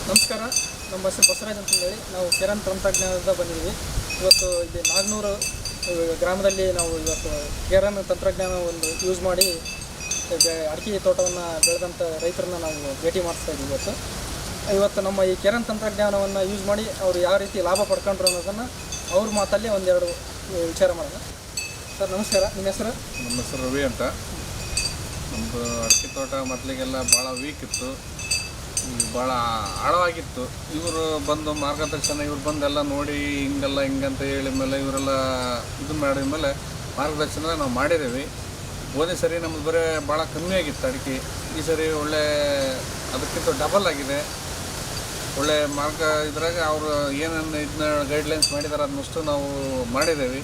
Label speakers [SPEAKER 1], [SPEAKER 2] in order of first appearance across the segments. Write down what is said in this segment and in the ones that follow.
[SPEAKER 1] ನಮಸ್ಕಾರ, ನಮ್ಮ ಹೆಸರು ಬಸವರಾಜ್ ಅಂತಂದೇಳಿ ನಾವು ಕಿರಣ್ ತಂತ್ರಜ್ಞಾನದಿಂದ ಬಂದಿದ್ದೀವಿ. ಇವತ್ತು ಇಲ್ಲಿ ನಾಗನೂರು ಗ್ರಾಮದಲ್ಲಿ ನಾವು ಇವತ್ತು ಕಿರಣ್ ತಂತ್ರಜ್ಞಾನ ಒಂದು ಯೂಸ್ ಮಾಡಿ ಅಡಿಕೆ ತೋಟವನ್ನು ಬೆಳೆದಂಥ ರೈತರನ್ನ ನಾವು ಭೇಟಿ ಮಾಡಿಸ್ತಾ ಇದ್ದೀವಿ. ಇವತ್ತು ನಮ್ಮ ಈ ಕಿರಣ್ ತಂತ್ರಜ್ಞಾನವನ್ನು ಯೂಸ್ ಮಾಡಿ ಅವರು ಯಾವ ರೀತಿ ಲಾಭ ಪಡ್ಕೊಂಡ್ರು ಅನ್ನೋದನ್ನು ಅವ್ರ ಮಾತಲ್ಲಿ ಒಂದೆರಡು ವಿಚಾರ ಮಾಡೋಣ. ಸರ್ ನಮಸ್ಕಾರ, ನಿಮ್ಮ ಹೆಸರು?
[SPEAKER 2] ನಮ್ಮ ಹೆಸರು ರವಿ ಅಂತ. ನಮ್ಮದು ಅಡಿಕೆ ತೋಟ ಮೊದಲಿಗೆಲ್ಲ ಭಾಳ ವೀಕ್ ಇತ್ತು, ಭಾಳ ಆಳವಾಗಿತ್ತು. ಇವರು ಬಂದು ಮಾರ್ಗದರ್ಶನ ಇವ್ರು ಬಂದೆಲ್ಲ ನೋಡಿ ಹಿಂಗೆಲ್ಲ ಹಿಂಗಂತ ಹೇಳಿ ಮೇಲೆ ಇವರೆಲ್ಲ ಇದು ಮಾಡಿದ ಮೇಲೆ ಮಾರ್ಗದರ್ಶನ ನಾವು ಮಾಡಿದ್ದೀವಿ. ಹೋದ ಸರಿ ನಮ್ಮದು ಬರೀ ಭಾಳ ಕಮ್ಮಿ ಆಗಿತ್ತು ಅಡಿಕೆ. ಈ ಸರಿ ಒಳ್ಳೆ ಅದಕ್ಕಿಂತ ಡಬಲ್ ಆಗಿದೆ. ಒಳ್ಳೆ ಮಾರ್ಗ ಇದ್ರಾಗ ಅವರು ಏನೇನು ಇದನ್ನ ಗೈಡ್ಲೈನ್ಸ್ ಮಾಡಿದ್ದಾರೆ ಅದನ್ನಷ್ಟು ನಾವು ಮಾಡಿದ್ದೇವೆ.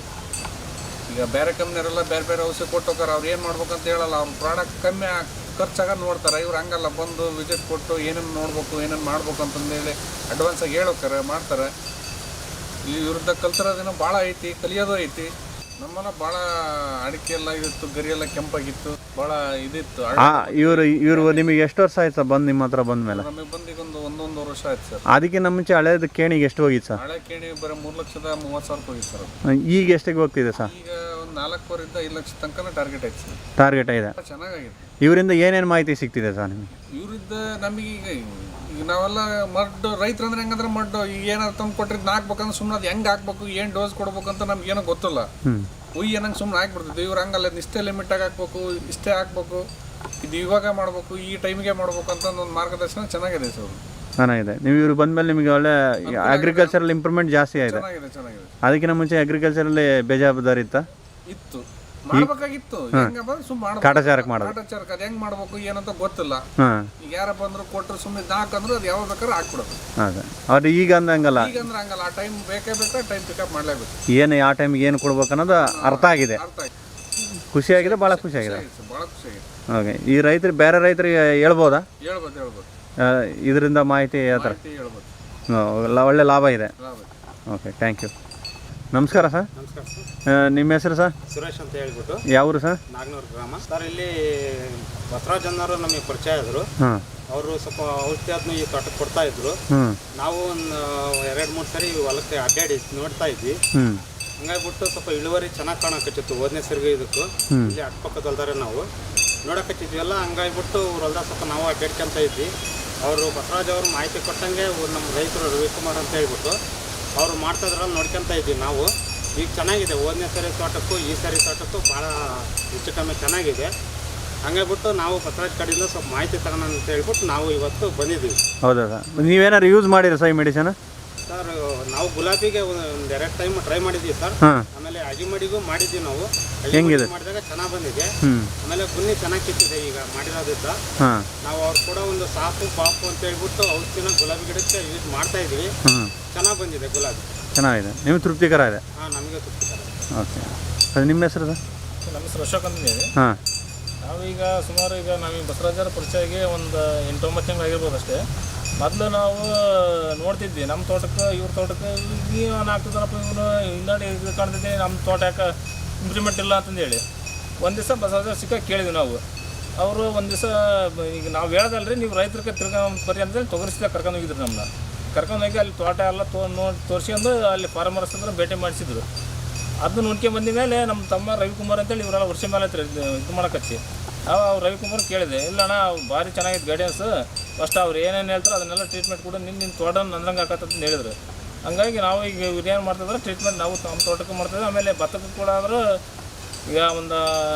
[SPEAKER 2] ಈಗ ಬೇರೆ ಕಂಪ್ನಿಯವರೆಲ್ಲ ಬೇರೆ ಬೇರೆ ಔಷಧಿ ಕೊಟ್ಟು ಹೋಗಾರೆ, ಅವ್ರು ಏನು ಮಾಡ್ಬೇಕಂತ ಹೇಳಲ್ಲ. ಅವ್ರ ಪ್ರಾಡಕ್ಟ್ ಕಮ್ಮಿ ಖರ್ಚಾಗ ನೋಡ್ತಾರೆ. ಇವ್ರು ಹಂಗಲ್ಲ, ಬಂದು ವಿಸಿಟ್ ಕೊಟ್ಟು ಏನೇನು ನೋಡ್ಬೇಕು ಏನೇನು ಮಾಡ್ಬೇಕು ಅಂತಂದೇಳಿ ಅಡ್ವಾನ್ಸಾಗಿ ಹೇಳೋಕ್ತಾರೆ, ಮಾಡ್ತಾರೆ. ಈ ವಿರುದ್ಧ ಕಲ್ತಿರೋದೇನೋ ಭಾಳ ಐತಿ, ಕಲಿಯೋದು ಐತಿ. ನಮ್ಮನ್ನ ಭಾಳ ಅಡಿಕೆ ಎಲ್ಲ ಇತ್ತು, ಗರಿ ಎಲ್ಲ ಕೆಂಪಾಗಿತ್ತು, ಭಾಳ ಇದಿತ್ತು.
[SPEAKER 3] ಇವರು ನಿಮಗೆ ಎಷ್ಟು ವರ್ಷ ಆಯ್ತು ಸರ್ ಬಂದು ನಿಮ್ಮ ಹತ್ರ ಬಂದ ಮೇಲೆ?
[SPEAKER 2] ನಮಗೆ ಬಂದು ಈಗ ಒಂದೊಂದು ವರ್ಷ ಆಯ್ತು ಸರ್.
[SPEAKER 3] ಅದಕ್ಕಿಂತ ಮುಂಚೆ ಹಳೇದು ಕೇಣಿಗೆ ಎಷ್ಟು ಹೋಗಿತ್ತು ಸರ್?
[SPEAKER 2] ಹಳೆ ಕೇಣಿ ಬರೀ 3,30,000 ಹೋಗಿತ್ತು ಸರ್.
[SPEAKER 3] ಈಗ ಎಷ್ಟಿಗೆ ಹೋಗ್ತಿದೆ ಸರ್?
[SPEAKER 2] ಈಗ ಒಂದು 4,500,000 5 ಲಕ್ಷ ತನಕ ಟಾರ್ಗೆಟ್ ಐತೆ ಸರ್.
[SPEAKER 3] ಟಾರ್ಗೆಟ್ ಇದೆ.
[SPEAKER 2] ಚೆನ್ನಾಗಿದೆ.
[SPEAKER 3] ಇವರಿಂದ ಏನೇನು ಮಾಹಿತಿ ಸಿಗ್ತಿದೆ ಸರ್ ನಿಮಗೆ?
[SPEAKER 2] ಇವರಿಂದ ನಮಗೆ ಈಗ ನಾವೆಲ್ಲ ರೈತರು ಅಂದ್ರೆ ಹೆಂಗಂದ್ರೆ ಈಗ ಏನಾದ್ರು ತಂದು ಕೊಟ್ಟಿದ್ದು ಹಾಕ್ಬೇಕಂದ್ರೆ ಸುಮ್ಮನೆ ಅದು ಹೆಂಗೆ ಹಾಕ್ಬೇಕು, ಏನು ಡೋಸ್ ಕೊಡ್ಬೇಕಂತ ನಮ್ಗೆ ಏನೋ ಗೊತ್ತಿಲ್ಲ. ಏನಂಗೆ ಸುಮ್ಮನೆ ಹಾಕ್ಬಿಡ್ತಿದ್ವಿ. ಇವ್ರು ಹಂಗಲ್ಲ, ಇಷ್ಟೇ ಲಿಮಿಟಾಗಿ ಹಾಕ್ಬೇಕು, ಇಷ್ಟೇ ಹಾಕ್ಬೇಕು, ಇದು ಇವಾಗ ಮಾಡ್ಬೇಕು, ಈ ಟೈಮಿಗೆ ಮಾಡ್ಬೇಕು ಅಂತ ಒಂದು ಮಾರ್ಗದರ್ಶನ ಚೆನ್ನಾಗಿದೆ ಸರ್.
[SPEAKER 3] ಚೆನ್ನಾಗಿದೆ. ನೀವು ಇವ್ರು ಬಂದಮೇಲೆ ನಿಮಗೆ ಒಳ್ಳೆ ಅಗ್ರಿಕಲ್ಚರಲ್ ಇಂಪ್ರೂವ್ಮೆಂಟ್ ಜಾಸ್ತಿ ಆಗಿದೆ.
[SPEAKER 2] ಚೆನ್ನಾಗಿದೆ.
[SPEAKER 3] ಅದಕ್ಕಿಂತ ಮುಂಚೆ ಅಗ್ರಿಕಲ್ಚರಲ್ಲಿ ಬೇಜವಾಬ್ದಾರಿ
[SPEAKER 2] ಇತ್ತು, ಮಾಡ್ಬೇಕಾಗಿತ್ತು.
[SPEAKER 3] ಕಾಟಾಚಾರಕ್ಕೆ ಮಾಡೋದು,
[SPEAKER 2] ಕಾಟಾಚಾರಕ್ಕೆ ಅದು ಹೆಂಗೆ ಮಾಡ್ಬೇಕು ಏನಂತ ಗೊತ್ತಿಲ್ಲ. ಈಗ ಯಾರ ಬಂದ್ರು ಕೊಟ್ಟರು ಸುಮ್ಮನೆ ಹಾಕಂದ್ರೆ ಅದು ಯಾವಾಗ ಬೇಕಾದ್ರೆ ಹಾಕ್ಬಿಡೋದು.
[SPEAKER 3] ಅದೇ ಅವ್ರು ಈಗ ಹಂಗಲ್ಲ,
[SPEAKER 2] ಈಗ ಅಂದ್ರೆ ಹಂಗಲ್ಲ. ಆ ಟೈಮ್ ಬೇಕೇ ಬೇಕಾ, ಟೈಮ್ ಪಿಕಪ್ ಮಾಡಲೇಬೇಕು.
[SPEAKER 3] ಏನು ಯಾವ ಟೈಮಿಗೆ ಏನು ಕೊಡ್ಬೇಕು ಅನ್ನೋದು ಅರ್ಥ ಆಗಿದೆ. ಖುಷಿಯಾಗಿದೆ, ಭಾಳ ಖುಷಿಯಾಗಿದೆ.
[SPEAKER 2] ಭಾಳ ಖುಷಿಯಾಗಿದೆ.
[SPEAKER 3] ಓಕೆ, ಈ ರೈತರಿಗೆ ಬೇರೆ ರೈತರಿಗೆ ಹೇಳ್ಬೋದಾ?
[SPEAKER 2] ಹೇಳ್ಬೋದು.
[SPEAKER 3] ಇದರಿಂದ ಮಾಹಿತಿ ಯಾವ ಥರ? ಒಳ್ಳೆ ಲಾಭ ಇದೆ. Okay, thank you. ನಮಸ್ಕಾರ ಸರ್.
[SPEAKER 4] ನಮಸ್ಕಾರ ಸರ್.
[SPEAKER 3] ನಿಮ್ಮ ಹೆಸರು ಸರ್?
[SPEAKER 4] ಸುರೇಶ್ ಅಂತ ಹೇಳ್ಬಿಟ್ಟು.
[SPEAKER 3] ಯಾವರು ಸರ್?
[SPEAKER 4] ನಾಗನೂರು ಗ್ರಾಮ ಸರ್. ಇಲ್ಲಿ ಬಸವರಾಜ್ ಅನ್ನೋರು ನಮಗೆ ಪರಿಚಯ ಆದರು. ಅವರು ಸ್ವಲ್ಪ ಔಷಧಿ ಅದನ್ನು ಈ ತೋಟಕ್ಕೆ ಕೊಡ್ತಾ ಇದ್ರು. ನಾವು ಒಂದು 2-3 ಸರಿ ಹೊಲಕ್ಕೆ ಅಡ್ಡಾಡಿ ನೋಡ್ತಾ ಇದ್ವಿ. ಹಂಗಾಗ್ಬಿಟ್ಟು ಸ್ವಲ್ಪ ಇಳುವರಿ ಚೆನ್ನಾಗಿ ಕಾಣಕತ್ತಿತ್ತು. ಹೋದನೇ ಸರಿಗೆ ಇದಕ್ಕೂ ಇಲ್ಲಿ ಅಕ್ಕಪಕ್ಕದಲ್ದಾರೆ ನಾವು ನೋಡಕತ್ತಿದ್ವಲ್ಲ. ಹಂಗಾಗ್ಬಿಟ್ಟು ಹೊಲ್ದಾಗ ಸ್ವಲ್ಪ ನಾವು ಅಡ್ಡಾಡ್ಕೊಂತ ಇದ್ವಿ. ಅವರು ಬಸವರಾಜ್ ಅವರು ಮಾಹಿತಿ ಕೊಟ್ಟಂಗೆ ನಮ್ಮ ರೈತರು ರವಿಕುಮಾರ್ ಅಂತ ಹೇಳ್ಬಿಟ್ಟು ಅವರು ಮಾಡ್ತಾಯಿದ್ರಲ್ಲಿ ನೋಡ್ಕೊತ ಇದ್ವಿ ನಾವು. ಈಗ ಚೆನ್ನಾಗಿದೆ. ಹೋದನೇ ಸರಿ ತೋಟಕ್ಕೂ ಈ ಸರಿ ತೋಟಕ್ಕೂ ಭಾಳ ಹೆಚ್ಚು ಕಮ್ಮಿ ಚೆನ್ನಾಗಿದೆ. ಹಂಗಾಗ್ಬಿಟ್ಟು ನಾವು ಬಸವರಾಜ್ ಕಡೆಯಿಂದ ಸ್ವಲ್ಪ ಮಾಹಿತಿ ತಗೋಣ ಅಂತ ಹೇಳ್ಬಿಟ್ಟು ನಾವು ಇವತ್ತು ಬಂದಿದ್ದೀವಿ.
[SPEAKER 3] ಹೌದಾ ಸರ್? ನೀವೇನಾದ್ರು ಯೂಸ್ ಮಾಡಿರಿ ಸರ್ ಈ ಮೆಡಿಸನ್?
[SPEAKER 4] ಸರ್ ನಾವು ಗುಲಾಬಿಗೆ ಒಂದು 2 ಟೈಮ್ ಟ್ರೈ ಮಾಡಿದ್ವಿ ಸರ್. ಆಮೇಲೆ ಅಜಿಮಡಿಗೂ ಮಾಡಿದ್ವಿ ನಾವು.
[SPEAKER 3] ಹೆಂಗಿದೆ?
[SPEAKER 4] ಮಾಡಿದಾಗ ಚೆನ್ನಾಗಿ ಬಂದಿದೆ. ಆಮೇಲೆ ಗುನ್ನಿ ಚೆನ್ನಾಗಿ ಕಿತ್ತಿದೆ ಈಗ ಮಾಡಿರೋದ್ರಿಂದ. ನಾವು ಅವ್ರು ಕೂಡ ಒಂದು ಸಾಫು ಪಾಪು ಅಂತ ಹೇಳ್ಬಿಟ್ಟು ಔಷಧಿನ ಗುಲಾಬಿ ಗಿಡಕ್ಕೆ ಯೂಸ್ ಮಾಡ್ತಾ ಇದ್ವಿ. ಚೆನ್ನಾಗಿ ಬಂದಿದೆ ಗುಲಾಬಿ.
[SPEAKER 3] ಚೆನ್ನಾಗಿದೆ. ನಿಮಗೆ ತೃಪ್ತಿಕರ ಇದೆ?
[SPEAKER 4] ನಮಗೆ ತೃಪ್ತಿಕರ.
[SPEAKER 3] ಓಕೆ, ಅದು ನಿಮ್ಮ ಹೆಸರು ಸರ್?
[SPEAKER 1] ನಮ್ಮ ಹೆಸರು ಅಶೋಕ್ ಅಂತಂದೇಳಿ. ನಾವೀಗ ಸುಮಾರು ನಾವೀಗ ಬಸವರಾಜರ ಪರಿಚಯಗೆ ಒಂದು 8-9 ತಿಂಗಳು ಆಗಿರ್ಬೋದು ಅಷ್ಟೇ. ಮೊದಲು ನಾವು ನೋಡ್ತಿದ್ವಿ ನಮ್ಮ ತೋಟಕ್ಕೆ ಇವ್ರ ತೋಟಕ್ಕೆ ನೀವು ಆಗ್ತದನಪ್ಪ, ಇವನು ಹಿಂದಾಡಿ ಇದು ಕಾಣ್ತಿದ್ದೆ, ನಮ್ಮ ತೋಟ ಯಾಕೆ ಇಂಪ್ರೂವ್ಮೆಂಟ್ ಇಲ್ಲ ಅಂತಂದೇಳಿ ಒಂದು ದಿವಸ ಬಸವರಾಜ ಸಿಕ್ಕ ಕೇಳಿದ್ವಿ ನಾವು. ಅವರು ಒಂದು ದಿವಸ ಈಗ ನಾವು ಹೇಳ್ದಲ್ರಿ, ನೀವು ರೈತರಿಗೆ ಬರಿ ಅಂತೇಳಿ ತೊಗರಿಸಿದ ಕರ್ಕೊಂಡೋಗಿದ್ರು. ನಮ್ಮನ್ನ ಕರ್ಕೊಂಡೋಗಿ ಅಲ್ಲಿ ತೋಟ ಎಲ್ಲ ತೋರಿಸ್ಕೊಂಡು ಅಲ್ಲಿ ಫಾರ್ಮರ್ಸ್ ಅಂದ್ರೆ ಭೇಟಿ ಮಾಡಿಸಿದ್ರು. ಅದನ್ನ ನೋಡ್ಕೊಂಡು ಬಂದ ಮೇಲೆ ನಮ್ಮ ತಮ್ಮ ರವಿಕುಮಾರ್ ಅಂತೇಳಿ ಇವರೆಲ್ಲ ವರ್ಷ ಮೇಲೆ ಹತ್ರ ಇದು ಮಾಡೋಕಚ್ಚಿ ಅವ್ರು ರವಿಕುಮಾರ್ ಕೇಳಿದೆ. ಇಲ್ಲಣ್ಣ ಭಾರಿ ಚೆನ್ನಾಗಿತ್ತು ಗೈಡೆನ್ಸ್, ಫಸ್ಟ್ ಅವ್ರು ಏನೇನು ಹೇಳ್ತಾರೆ ಅದನ್ನೆಲ್ಲ ಟ್ರೀಟ್ಮೆಂಟ್ ಕೂಡ ನಿನ್ನ ತೋಟ ನಂದ್ರಂಗೆ ಹಾಕತ್ತಂತ ಹೇಳಿದ್ರು. ಹಂಗಾಗಿ ನಾವು ಈಗ ಇವ್ರು ಏನು ಮಾಡ್ತಿದ್ರೆ ಟ್ರೀಟ್ಮೆಂಟ್ ನಾವು ನಮ್ಮ ತೋಟಕ್ಕೆ ಮಾಡ್ತಿದ್ವಿ. ಆಮೇಲೆ ಭತ್ತಕ್ಕೂ ಕೂಡ ಆದ್ರೆ ಈಗ ಒಂದು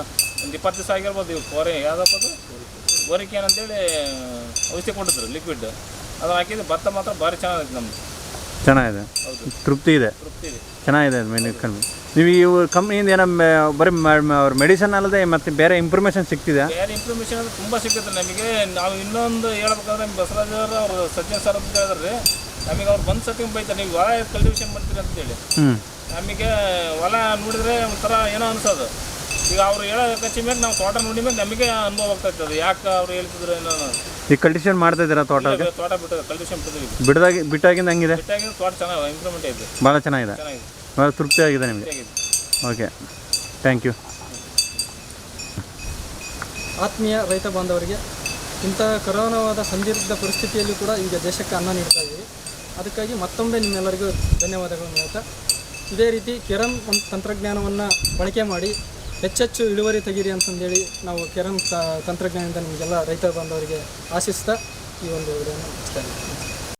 [SPEAKER 1] 20 ದಿವಸ ಆಗಿರ್ಬೋದು. ಇವ್ರು ಯಾವುದಪ್ಪ ಅದು ಗೋರಿಕೆ ಏನಂತೇಳಿ ಔಷಧಿ ಕೊಟ್ಟಿದ್ರು ಲಿಕ್ವಿಡ್, ಅದು ಹಾಕಿದ್ರೆ ಭತ್ತ ಮಾತ್ರ ಭಾರಿ ಚೆನ್ನಾಗಿದೆ. ನಮ್ಮದು
[SPEAKER 3] ಚೆನ್ನಾಗಿದೆ.
[SPEAKER 1] ಹೌದು,
[SPEAKER 3] ತೃಪ್ತಿ ಇದೆ. ಚೆನ್ನಾಗಿದೆ. ನೀವು ಇವು ಕಂಪ್ನಿಯಿಂದ ಏನೋ ಬರೀ ಅವ್ರ ಮೆಡಿಸನ್ ಅಲ್ಲದೆ ಮತ್ತೆ ಬೇರೆ ಇನ್ಫಾರ್ಮೇಷನ್ ಸಿಗ್ತಿದೆ?
[SPEAKER 1] ಬೇರೆ ಇನ್ಫಾರ್ಮೇಷನ್ ಅದು ತುಂಬ ಸಿಗುತ್ತೆ ನಮಗೆ. ನಾವು ಇನ್ನೊಂದು ಹೇಳ್ಬೇಕಾದ್ರೆ ಬಸವರಾಜ್ ಅವರು ಸಜ್ಜನ್ ಸರ್ ಅಂತ ಹೇಳಿದ್ರಿ, ನಮಗೆ ಅವ್ರು ಬಂದು ಸತಿ ಬೈತಾರೆ, ನೀವು ಹೊಲ ಕಲ್ಟಿವೇಷನ್ ಮಾಡ್ತೀರಿ ಅಂತೇಳಿ. ನಮಗೆ ಹೊಲ ನೋಡಿದ್ರೆ ಒಂಥರ ಏನೋ ಅನ್ಸೋದು. ಈಗ ಅವ್ರು ಹೇಳೋ ಕಚ್ಚಿ ಮೇಲೆ ನಾವು ತೋಟ ನೋಡಿ ಮೇಲೆ ನಮಗೆ ಅನುಭವ ಆಗ್ತಾ ಇರ್ತದೆ, ಯಾಕೆ ಅವ್ರು ಹೇಳ್ತಿದ್ರು ಏನೋ.
[SPEAKER 3] ಈಗ ಕಲ್ಟಿವೇಷನ್ ಮಾಡ್ತಾ ಇದ್ದೀರಾ ತೋಟ?
[SPEAKER 1] ತೋಟ ಕಲ್ಟಿವೇಷನ್
[SPEAKER 3] ಬಿಟ್ಟಾಗಿಂದ ಹಂಗಿದೆ?
[SPEAKER 1] ಬಿಟ್ಟಾಗಿಂದ ತೋಟ ಚೆನ್ನಾಗಿ ಇಂಪ್ರೂವ್ಮೆಂಟ್ ಇದೆ,
[SPEAKER 3] ಭಾಳ ಚೆನ್ನಾಗಿದೆ, ಭಾಳ ತೃಪ್ತಿ ಆಗಿದೆ ನಿಮಗೆ. Okay, thank you.
[SPEAKER 1] ಆತ್ಮೀಯ ರೈತ ಬಾಂಧವರಿಗೆ
[SPEAKER 5] ಇಂಥ ಕರೋನಾವಾದ ಸಂದಿಗ್ಧ ಪರಿಸ್ಥಿತಿಯಲ್ಲೂ ಕೂಡ ಈಗ ದೇಶಕ್ಕೆ ಅನ್ನ ನೀಡ್ತಾ ಇದ್ದೀವಿ. ಅದಕ್ಕಾಗಿ ಮತ್ತೊಮ್ಮೆ ನಿಮ್ಮೆಲ್ಲರಿಗೂ ಧನ್ಯವಾದಗಳನ್ನು ಹೇಳ್ತಾ, ಇದೇ ರೀತಿ ಕಿರಣ್ ತಂತ್ರಜ್ಞಾನವನ್ನು ಬಳಕೆ ಮಾಡಿ ಹೆಚ್ಚೆಚ್ಚು ಇಳುವರಿ ತೆಗೀರಿ ಅಂತಂದೇಳಿ ನಾವು ಕಿರಣ್ ತಂತ್ರಜ್ಞಾನದಿಂದ ನಿಮಗೆಲ್ಲ ರೈತ ಬಾಂಧವರಿಗೆ ಆಶಿಸ್ತಾ ಈ ಒಂದು ವಿಡಿಯೋನ ಮುಗಿಸ್ತಾ ಇದ್ದೀವಿ.